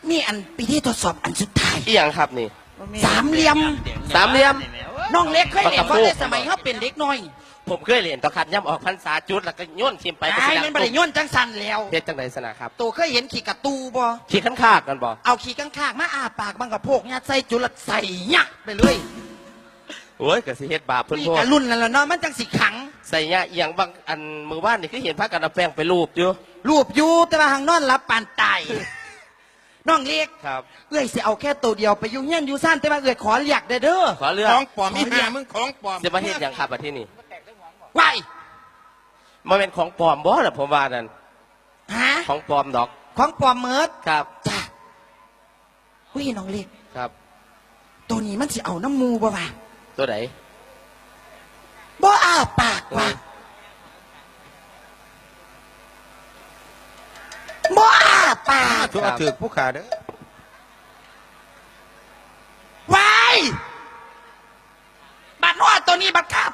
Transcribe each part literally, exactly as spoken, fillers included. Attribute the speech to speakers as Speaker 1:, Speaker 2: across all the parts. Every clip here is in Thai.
Speaker 1: นี่อันปีที่ทดสอบอันสุดท้าย
Speaker 2: อีหยังครับนี่
Speaker 1: สามเหลี่ยม
Speaker 2: สามเหลี่ยม
Speaker 1: น้องเล็กเคยเล่นเพราะในสมัยเขาเป็นเด็กน้อย
Speaker 2: ผมเคยเรียนต่อคันย่ำออกพรรษาจุดแล้วก็โย่นทิมไป
Speaker 1: ไอ้มันบริย่นจังสันแล้ว
Speaker 2: เฮ็ดจังไดสนะครับ
Speaker 1: ตัวเคยเห็นขี่กระตูบ่
Speaker 2: ขี่ขันคากกันบ่
Speaker 1: เอาขี่ข้างๆมาอาปากบังกับโพกยัดใส่จุลใส่ยักไปเลย
Speaker 2: โอ้ยก็สิเฮ็ดบาปเพิ่น
Speaker 1: นี่
Speaker 2: พวก
Speaker 1: กะรุ่นนั่นแหละเนาะมันจังสิขัง
Speaker 2: ใส่ยาเอียงบางอันมือบ้านนี่คือเห็นพระกันเอาแป้งไปรูปอยู่
Speaker 1: รูปอยู่แต่ว่าหางนอนรับปานตายน้องเล็ก
Speaker 2: ครับ
Speaker 1: เอ้ยสิเอาแค่ตัวเดียวไปยุ่งเงี้ยนอยู่ซ่านแต่ว่าเอ้ยขอเรียกเด้อเด้อ
Speaker 2: ขอเลือก
Speaker 3: ของปลอมมีหามึงของปลอม
Speaker 2: จะมาเฮ็ดหยังครับอันที่นี่
Speaker 1: ว้าย
Speaker 2: มันเป็นของปลอมบ่ล่ะผมว่านั่น
Speaker 1: ฮะ
Speaker 2: ของปลอมดอก
Speaker 1: ของปลอมเมิด
Speaker 2: ครับ
Speaker 1: จ้ะหุ้ยน้องเล็ก
Speaker 2: ครับ
Speaker 1: ตัวนี้มันสิเอาน้ำมูบ่วะ
Speaker 2: ตัวไหน
Speaker 1: บ่อ้าปากว่ะบ่อ้าปาก
Speaker 3: ทุกอาถือผู้ขาเด้อ
Speaker 1: ว้ายบัดนวดตัวนี้บัดครับ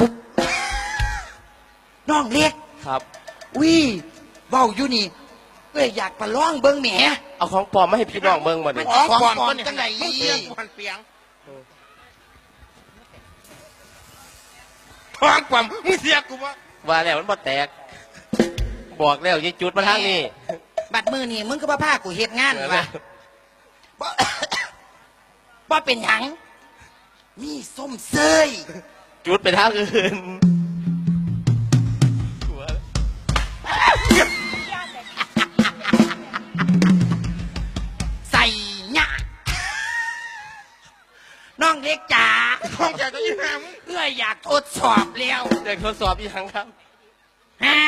Speaker 1: น้องเล็ก
Speaker 2: ครับ
Speaker 1: วิเว้าอยู่นี่เอ้ยอยากประลองเบิ่งแหม
Speaker 2: เอาของปลอมมาให้พี่น้องเบิ่งบ่นี่
Speaker 3: ของปลอม
Speaker 1: ของปลอม
Speaker 3: เนี่ย
Speaker 1: จังไหน
Speaker 3: มึงเปียงมันเปียงของปลอมมึงเสียกูวะ
Speaker 2: ว่าแล้วมันบ่แตก บอกแล้วยิงจุดมาทางนี้
Speaker 1: บัดมือนี่มึงก็บ่พากูเฮ็ดงานว่ะบ่ บ่เป็นหยังมีส้มเซย
Speaker 2: จุดไปทางอื่น
Speaker 1: ใส่หยะน้องเล็กจ๋า
Speaker 3: ของแกก็ยิ่งหามึง
Speaker 1: เอ้ยอยากทดสอบแล้ว
Speaker 2: เด็กทดสอบอีกครั้งครับ
Speaker 1: แฮ่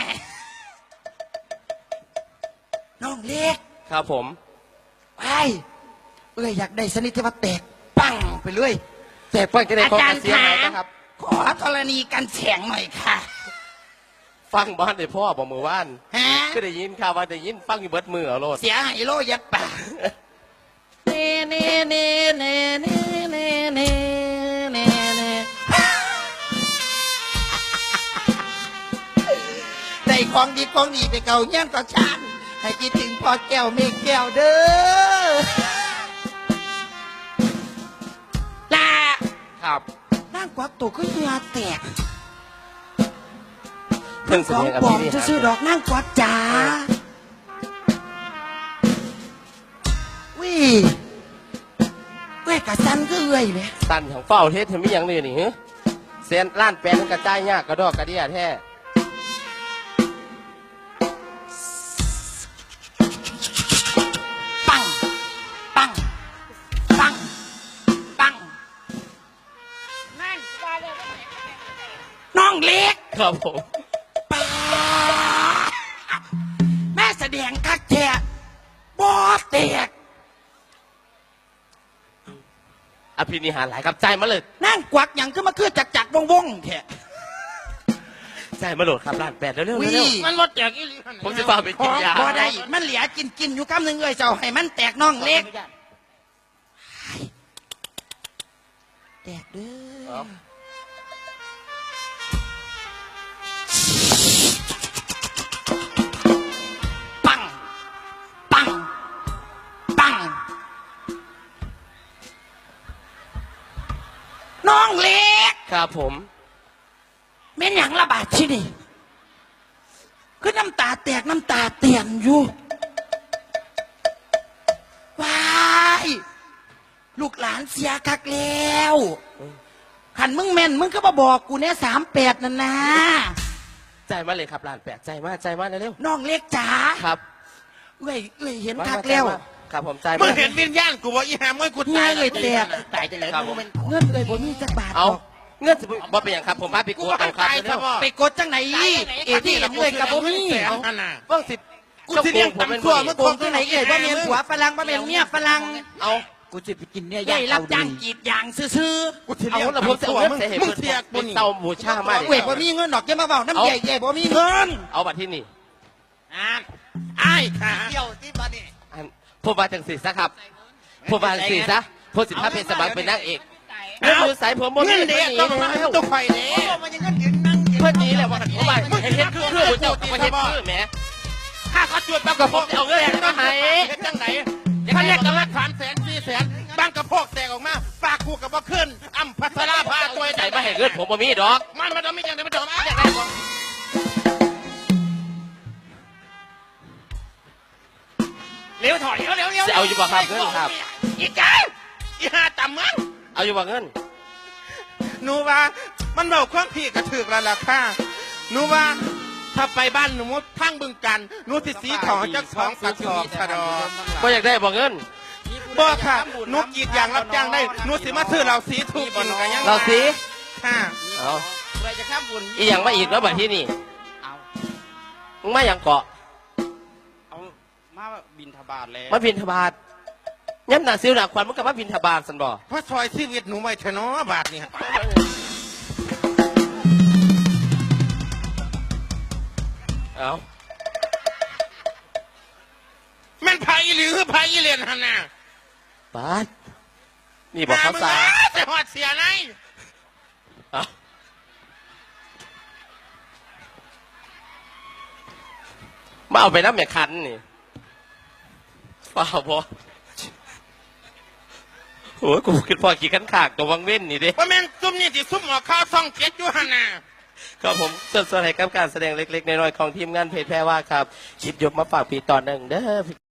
Speaker 1: น้องเล็ก
Speaker 2: ครับผม
Speaker 1: ไปเอ้ยอยากได้สนิทที่ว่าแตกปังไปเลย
Speaker 2: แตกปังจะได้
Speaker 1: อา
Speaker 2: ของ
Speaker 1: จาร
Speaker 2: อา
Speaker 1: ย์
Speaker 2: เซียน
Speaker 1: ขา
Speaker 2: ไหนนะครับ
Speaker 1: ขอธรณีกันแสงหน่อยค่ะ
Speaker 2: ฟังบ้านได้พ่อบอกมือว่าน
Speaker 1: ฮะ
Speaker 2: ก็ได้ยินข่าวว่าได้ยินฟังอยู่เบิดมือเอาโลด
Speaker 1: เสียหายโลยัดปากเน่เน่เน่เน่เน่เน่เน่เน่เน่ได้ของดีของดีไปเก่าเงี้ยต่อชานให้คิดถึงพ่อแก้วเมฆแก้วเด้อลา
Speaker 2: ครับ
Speaker 1: นั่งกวักตัวขึ้นเหงื่อแตก
Speaker 2: เพิ่งแส
Speaker 1: ขอ
Speaker 2: ด
Speaker 1: ง
Speaker 2: งกับ
Speaker 1: ปลอ
Speaker 2: พี่
Speaker 1: ม
Speaker 2: นี่
Speaker 1: จะซื้อดอกนั่งกวักจ๋าวิเว้ยกะสันก็เอ้ยไหม
Speaker 2: ตันของเฝ้าเทศเห็นมีอย่างนี้นี่ฮะเซนล้านแปลนกระจายยากกระดอกกระเดียแท้
Speaker 1: ปัง ปัง ปัง ปัง น้องเล็ก
Speaker 2: ครับผม
Speaker 1: ป้าแม่แสดงคักแท้บอแตก
Speaker 2: อภินิหารหลายครับใจมาเลย
Speaker 1: นั่งกวักอย่างก็มาคือจักจักวงวงๆแท้
Speaker 2: ใจมาโหลดครับล้านแปดเร็วๆเร็ว
Speaker 1: วิ
Speaker 2: เร็ว
Speaker 3: มันรถแจกอีหลี
Speaker 2: ผมจะพาไปกินยา
Speaker 1: บอได้ มันเหลือกินกินอยู่คำหนึ่งเลยเจ้าให้มันแตกน้องเล็กแตกเด้อ ปัง ปัง ปัง น้องเล็ก
Speaker 2: ครับผม
Speaker 1: แม่นหยังระบาดที่นี่คือน้ำตาแตกน้ำตาเตียนอยู่ว้ายลูกหลานเสียคักแล้วขันมึงแม่นมึงก็มาบอกกูเนี่ยสามแปดนั่นนะ
Speaker 2: ใจมาเลยครับล้านแปดใจมาใจมาเร็ว
Speaker 1: น้องเล็กจ๋า
Speaker 2: ๆครับ
Speaker 1: เอ้ยเอ้ยเห็น
Speaker 2: มา
Speaker 1: คัก
Speaker 2: มา
Speaker 1: แล้ว
Speaker 2: ใจมาครับผมใจ
Speaker 3: มึ
Speaker 2: มาง
Speaker 3: เห็นวิญญาณกูว่าอีหามึงกู
Speaker 1: เง
Speaker 3: ตาย
Speaker 1: ยเลยแตก
Speaker 3: ตายจะเลย
Speaker 2: ครับ
Speaker 3: มึงเป็น
Speaker 1: เงินเลยบ่มีจักบาท
Speaker 2: เอา
Speaker 1: หรอก
Speaker 2: เงื่อนสิบ่เป็นอย่างครับผมพาไป
Speaker 3: กู
Speaker 2: กวด
Speaker 3: ว่า
Speaker 2: เอาครับ
Speaker 3: ตาย
Speaker 2: เร็
Speaker 3: ซะ
Speaker 2: ว
Speaker 3: บ่
Speaker 1: ไปกดจังไหนเอที่เห็นเลยกับบ่มี
Speaker 3: แสนขนาด
Speaker 2: ๆเบิ่งสิ
Speaker 3: กูสิเลี้ยงตำซั่วมึง
Speaker 1: โกงที่ไหนเอ่ยว่าเมียนผัวฝรั่งว่าเมียนเมียฝรั่ง
Speaker 2: เอา
Speaker 1: กูจะไปกินเนี่ยย่างรับจ้างกีดยางซื้อ
Speaker 3: กูสิ
Speaker 2: เอา
Speaker 3: เลี้ยง
Speaker 2: แล้วผมจะ
Speaker 3: ตำ
Speaker 2: เอา
Speaker 3: ซั่ว
Speaker 2: เงิน
Speaker 3: มึง
Speaker 2: ใส่ให้
Speaker 3: มึง
Speaker 2: เพิ่น
Speaker 3: เสียกู
Speaker 2: เป็น
Speaker 3: นี่
Speaker 2: เตาบูชามา
Speaker 1: ๆเว้ยบ่มีเงินดอกจะมาเบาน้ำใหญ่ใหญ่บ่มีเงิน
Speaker 2: เอาบัตรที่นี่
Speaker 3: อ่าไอ้ขา
Speaker 1: เดี่ยวที่บ้านนี่
Speaker 2: อันผมมาจังสีซะครับผมมาจังสีซะผมสิบห้าเป็นสมัครเป็นนางเอกเงินอยู่ใส่ผมบ่มี
Speaker 3: เงิน
Speaker 2: เงิ
Speaker 3: เด็ก
Speaker 2: นหนี
Speaker 3: ต้องมา
Speaker 2: แล้ว
Speaker 3: ต้องไฟเด็ก
Speaker 1: มันยังเงินยืนนั่ง
Speaker 2: เพื่อนหนี้แหละว่ากันผมว่าเห็นเฮ็ดคือคือผมเจ้าก็มาเฮ็ดคือแหม
Speaker 3: ข้าเขาจวด
Speaker 2: แล้วก็ผมจะเอาเงินมาให้
Speaker 3: เฮ็ดจังไหน
Speaker 2: อยาก
Speaker 3: ท่านเรียกกันละสามแสนสี่แสนบางกระโพกแตกออกมาปากคู่กับว่าขึ้นอ้ำพัชราภาตัว
Speaker 2: ใจมาให้เงินผมบ่มีดอก
Speaker 3: มันมันต้องมีอย่างเดียวมันต้องมา เร็วถอยเร็วเร็วเร็ว
Speaker 2: จะเอาอยู่บ่ครับเงินครับ
Speaker 3: อีกาอีห่าต่ำมึง
Speaker 2: เอาอยู่บ่เงิน
Speaker 3: หนูว่ามันเบาความพี่กระถือกแล้วล่ะค่ะหนูว่าถ้าไปบ้านหนูมุดทั้งบึงกันหนูติดสีทองจักสองกระสอบชะดอ
Speaker 2: ก็อยากได้บ่เงิน
Speaker 3: บ่ค่ะหนูกรีดยางรับจ้างได้หนูสิมาซื้อเราสีถูกกินกันยัง
Speaker 2: เราสิ
Speaker 3: ค่ะ
Speaker 2: เอา
Speaker 1: ใครจะข้ามบุญ
Speaker 2: อีหยังมาอีกแล้วบัดที่นี่
Speaker 1: เอา
Speaker 2: มึงมาหยังเกาะ
Speaker 1: เอามาบินทบาทแล้ว
Speaker 2: มาบินทบาทย้ำหนักซิวหนักควันมึงกับมาบินทบาทสันบ่
Speaker 3: เพราะซอยชีวิตหนูไว้เถอะเนาะบาทนี่
Speaker 2: เอา
Speaker 3: แม่นไผ่หรือไผ่เรียนหันน่ะ
Speaker 2: บาทนี่บอกเขาซา
Speaker 3: แต่หอดเสียไง
Speaker 2: เอามาเอาไปน้ำแม่คันนี่เปล่าพอโอ้ยกูคิดพอกี่ขันขากตัววังเว้นนี่ดิ
Speaker 3: ว่าแม่นซุ่มนี่ที่ซุ่มออกข้าวซ่องเจ็ดอยู่หันน่ะ
Speaker 2: ครับผมส่วนส่วนให้กับการแสดงเล็กๆน้อยๆของทีมงานเพจแพรว่าครับชิบยกมาฝากปีตอนหนึ่งเด้อ